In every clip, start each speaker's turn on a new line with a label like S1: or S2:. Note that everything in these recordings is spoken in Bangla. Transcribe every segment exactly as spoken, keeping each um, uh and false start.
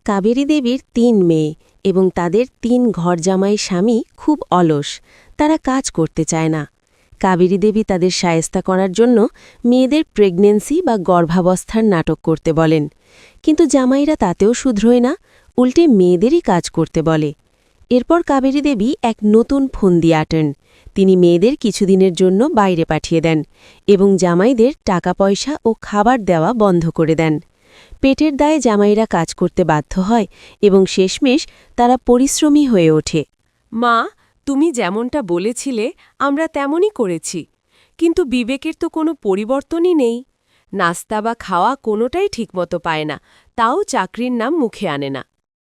S1: কাবেরী দেবীর তিন মেয়ে এবং তাদের তিন ঘরজামাই স্বামী খুব অলস, তারা কাজ করতে চায় না। কাবেরী দেবী তাদের শায়েস্তা করার জন্য মেয়েদের প্রেগন্যান্সি বা গর্ভাবস্থার নাটক করতে বলেন, কিন্তু জামাইরা তাতেও শুধরোয় না, উল্টে মেয়েদেরই কাজ করতে বলে। এরপর কাবেরী দেবী এক নতুন ফন্দি আঁটেন। তিনি মেয়েদের কিছুদিনের জন্য বাইরে পাঠিয়ে দেন এবং জামাইদের টাকা পয়সা ও খাবার দেওয়া বন্ধ করে দেন। পেটের দায়ে জামাইরা কাজ করতে বাধ্য হয় এবং শেষমেশ তারা পরিশ্রমী হয়ে ওঠে।
S2: মা, তুমি যেমনটা বলেছিলে আমরা তেমনই করেছি, কিন্তু বিবেকের তো কোনো পরিবর্তনই নেই। নাস্তা বা খাওয়া কোনোটাই ঠিকমতো পায় না, তাও চাকরির নাম মুখে আনে না।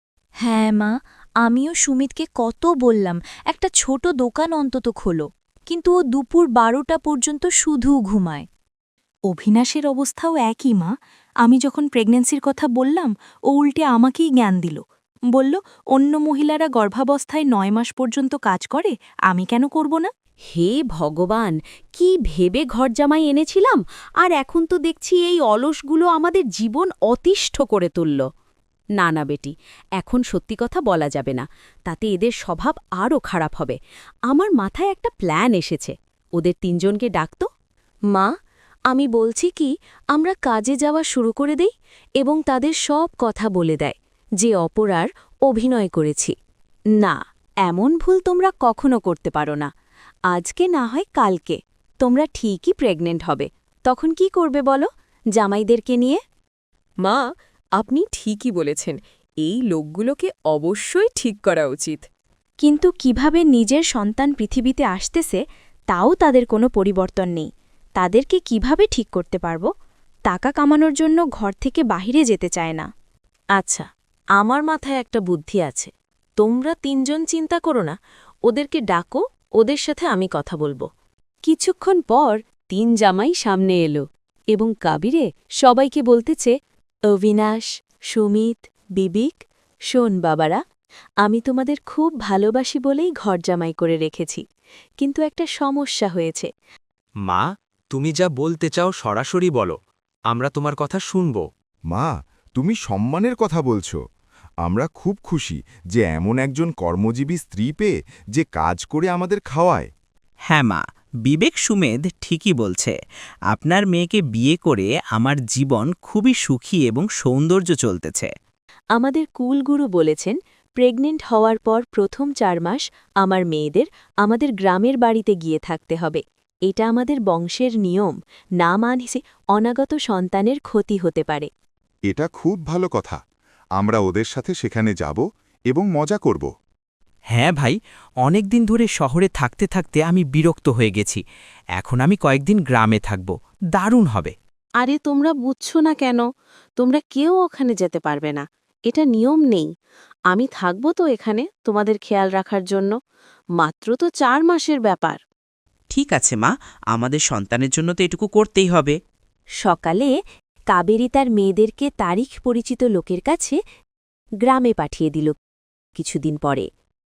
S3: হ্যাঁ মা, আমিও সুমিতকে কত বললাম একটা ছোট দোকান অন্তত খোলো, কিন্তু ও দুপুর বারোটা পর্যন্ত শুধু ঘুমায়। অভিনাশের অবস্থাও একই মা। আমি যখন প্রেগন্যান্সির কথা বললাম, ও উল্টে আমাকেই জ্ঞান দিল। বলল অন্য মহিলারা গর্ভাবস্থায় নয় মাস পর্যন্ত কাজ করে, আমি কেন করব না?
S4: হে ভগবান, কি ভেবে ঘরজামাই এনেছিলাম, আর এখন তো দেখছি এই অলসগুলো আমাদের জীবন অতিষ্ঠ করে তুলল। না না বেটি, এখন সত্যি কথা বলা যাবে না, তাতে এদের স্বভাব আরও খারাপ হবে। আমার মাথায় একটা প্ল্যান এসেছে, ওদের তিনজনকে ডাকতো।
S1: মা, আমি বলছি কি আমরা কাজে যাওয়া শুরু করে দেই এবং তাদের সব কথা বলে দেয় যে অপরার অভিনয় করেছি।
S4: না, এমন ভুল তোমরা কখনো করতে পারো না। আজকে না হয় কালকে তোমরা ঠিকই প্রেগনেন্ট হবে, তখন কি করবে বলো জামাইদেরকে নিয়ে?
S2: মা, আপনি ঠিকই বলেছেন, এই লোকগুলোকে অবশ্যই ঠিক করা উচিত।
S3: কিন্তু কিভাবে নিজের সন্তান পৃথিবীতে আসতেছে তাও তাদের কোনো পরিবর্তন নেই। তাদেরকে কিভাবে ঠিক করতে পারব? টাকা কামানোর জন্য ঘর থেকে বাহিরে যেতে চায় না।
S1: আচ্ছা, আমার মাথায় একটা বুদ্ধি আছে। তোমরা তিনজন চিন্তা করো না, ওদেরকে ডাকো, ওদের সাথে আমি কথা বলবো।
S4: কিছুক্ষণ পর তিন জামাই সামনে এলো এবং কাবিরে সবাইকে বলতেছে, অবিনাশ, সুমিত, বিবিক, শোন বাবারা, আমি তোমাদের খুব ভালোবাসি বলেই ঘর জামাই করে রেখেছি, কিন্তু একটা সমস্যা হয়েছে।
S5: মা, তুমি যা বলতে চাও সরাসরি বলো, আমরা তোমার কথা শুনব।
S6: মা, তুমি সম্মানের কথা বলছো। আমরা খুব খুশি যে এমন একজন কর্মজীবী স্ত্রী পেয়ে যে কাজ করে আমাদের খাওয়ায়।
S7: হ্যাঁ মা, বিবেক সুমেধ ঠিকই বলছে। আপনার মেয়েকে বিয়ে করে আমার জীবন খুবই সুখী এবং সৌন্দর্য চলতেছে।
S1: আমাদের কুলগুরু বলেছেন, প্রেগনেন্ট হওয়ার পর প্রথম চার মাস আমার মেয়েদের আমাদের গ্রামের বাড়িতে গিয়ে থাকতে হবে। এটা আমাদের বংশের নিয়ম, না মানছে অনাগত সন্তানের ক্ষতি হতে পারে।
S6: এটা খুব ভালো কথা। আমরা ওদের সাথে সেখানে যাব এবং মজা করব।
S7: হ্যাঁ ভাই, অনেক দিন ধরে শহরে থাকতে থাকতে আমি বিরক্ত হয়ে গেছি। এখন আমি কয়েকদিন গ্রামে থাকব, দারুণ হবে।
S1: আরে তোমরা বুঝছো না কেন? তোমরা কেউ ওখানে যেতে পারবে না, এটা নিয়ম নেই। আমি থাকব তো এখানে তোমাদের খেয়াল রাখার জন্য। মাত্র তো চার মাসের ব্যাপার।
S7: ঠিক আছে মা, আমাদের সন্তানের জন্য তো এটুকু করতেই হবে।
S1: সকালে কাবেরী তার মেয়েদেরকে তারিখ পরিচিত লোকের কাছে গ্রামে পাঠিয়ে দিল। কিছুদিন পরে,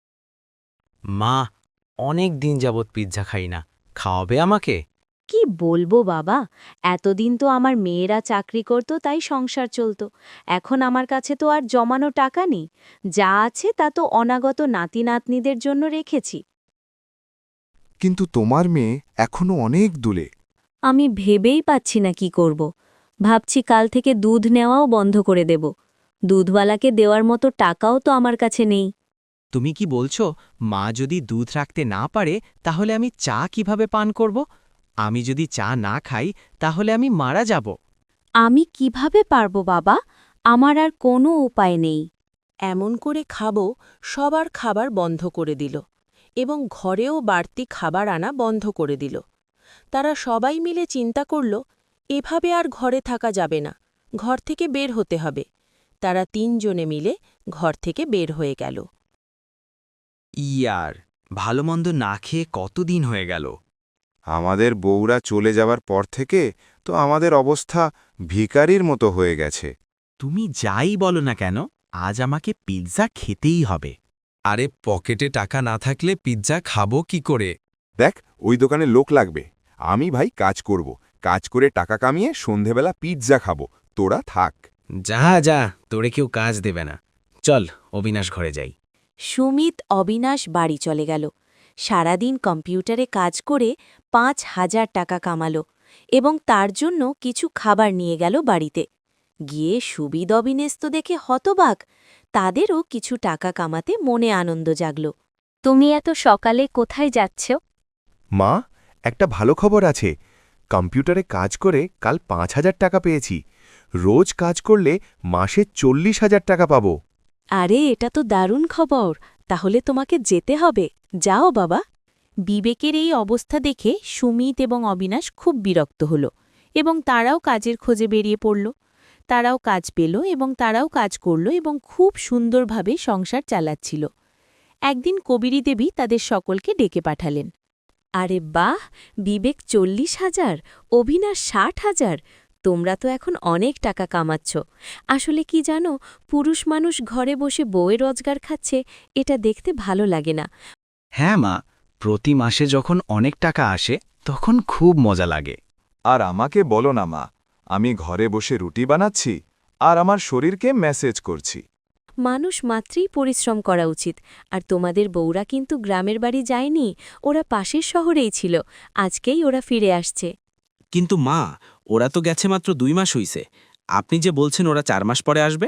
S5: মা, অনেক দিন যাবৎ পিৎজা খাই না, খাওয়াবে আমাকে?
S1: কি বলবো বাবা, এতদিন তো আমার মেয়েরা চাকরি করত, তাই সংসার চলত। এখন আমার কাছে তো আর জমানো টাকা নেই, যা আছে তা তো অনাগত নাতি নাতনিদের জন্য রেখেছি।
S6: কিন্তু তোমার মেয়ে এখনো অনেক দূরে।
S1: আমি ভেবেই পাচ্ছি না কি করব। ভাবছি কাল থেকে দুধ নেওয়াও বন্ধ করে দেব। দুধওয়ালাকে দেওয়ার মতো টাকাও তো আমার কাছে নেই।
S5: তুমি কি বলছো, মা যদি দুধ রাখতে না পারে তাহলে আমি চা কিভাবে পান করব? আমি যদি চা না খাই তাহলে আমি মারা যাব।
S1: আমি কিভাবে পারবো বাবা? আমার আর কোনো উপায় নেই। এমন করে খাবো, সবার খাবার বন্ধ করে দিল এবং ঘরেও বাড়তি খাবার আনা বন্ধ করে দিল। তারা সবাই মিলে চিন্তা করল, এভাবে আর ঘরে থাকা যাবে না, ঘর থেকে বের হতে হবে। তারা তিনজনে মিলে ঘর থেকে বের হয়ে গেল।
S5: ইয়ার, ভালোমন্দ না খেয়ে কতদিন হয়ে গেল।
S6: আমাদের বউরা চলে যাবার পর থেকে তো আমাদের অবস্থা ভিখারির মতো হয়ে গেছে।
S7: তুমি যাই বলো না কেন, আজ আমাকে পিৎজা খেতেই হবে।
S5: আরে পকেটে টাকা না থাকলে পিৎজা খাবো কি করে?
S6: দেখ, ওই দোকানে লোক লাগবে। আমি ভাই কাজ করব, কাজ করে টাকা কামিয়ে সন্ধেবেলা পিৎজা খাবো। তোরা থাক।
S5: যা যা, তোরে কেউ কাজ দেবে না। চল অবিনাশ ঘরে যাই।
S3: সুমিত অবিনাশ বাড়ি চলে গেল। সারাদিন কম্পিউটারে কাজ করে পাঁচ হাজার টাকা কামালো এবং তার জন্য কিছু খাবার নিয়ে গেল বাড়িতে। গিয়ে সুবিদ অবিনেশ তো দেখে হতবাক, তাদেরও কিছু টাকা কামাতে মনে আনন্দ জাগল। তুমি এত সকালে কোথায় যাচ্ছ?
S8: মা, একটা ভালো খবর আছে। কম্পিউটারে কাজ করে কাল পাঁচ হাজার টাকা পেয়েছি। রোজ কাজ করলে মাসে চল্লিশ হাজার টাকা পাবো।
S1: আরে এটা তো দারুণ খবর, তাহলে তোমাকে যেতে হবে। যাও বাবা।
S3: বিবেকের এই অবস্থা দেখে সুমিত এবং অবিনাশ খুব বিরক্ত হল এবং তারাও কাজের খোঁজে বেরিয়ে পড়ল। তারাও কাজ পেল এবং তারাও কাজ করল এবং খুব সুন্দরভাবে সংসার চালাচ্ছিল। একদিন কবিরী দেবী তাদের সকলকে ডেকে পাঠালেন।
S1: আরে বাহ, বিবেক চল্লিশ হাজার, অবিনাশ ষাট হাজার। তোমরা তো এখন অনেক টাকা কামাচ্ছ। আসলে কি জানো, পুরুষ মানুষ ঘরে বসে বউয়ে রোজগার খাচ্ছে, এটা দেখতে ভালো লাগে না।
S5: হ্যাঁ মা, প্রতি মাসে যখন অনেক টাকা আসে তখন খুব মজা লাগে।
S6: আর আমাকে বলো না মা, আমি ঘরে বসে রুটি বানাচ্ছি আর আমার শরীরকে মেসেজ করছি।
S1: মানুষ মাত্রই পরিশ্রম করা উচিত। আর তোমাদের বউরা কিন্তু গ্রামের বাড়ি যায়নি, ওরা পাশের শহরেই ছিল। আজকেই ওরা ফিরে আসছে।
S7: কিন্তু মা, ওরা তো গেছে মাত্র দুই মাস হইছে। আপনি যে বলছেন ওরা চার মাস পরে আসবে?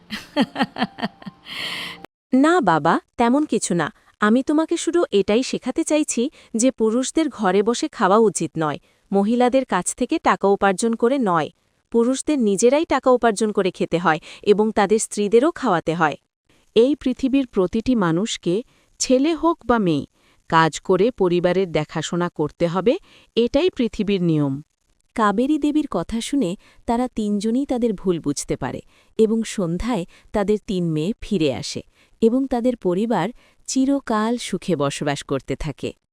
S1: না বাবা, তেমন কিছু না। আমি তোমাকে শুধু এটাই শেখাতে চাইছি যে পুরুষদের ঘরে বসে খাওয়া উচিত নয়, মহিলাদের কাছ থেকে টাকা উপার্জন করে নয়। পুরুষদের নিজেরাই টাকা উপার্জন করে খেতে হয় এবং তাদের স্ত্রীদেরও খাওয়াতে হয়। এই পৃথিবীর প্রতিটি মানুষকে, ছেলে হোক বা মেয়ে, কাজ করে পরিবারের দেখাশোনা করতে হবে, এটাই পৃথিবীর নিয়ম। কাবেরী দেবীর কথা শুনে তারা তিনজনই তাদের ভুল বুঝতে পারে এবং সন্ধ্যায় তাদের তিন মেয়ে ফিরে আসে এবং তাদের পরিবার চিরকাল সুখে বসবাস করতে থাকে।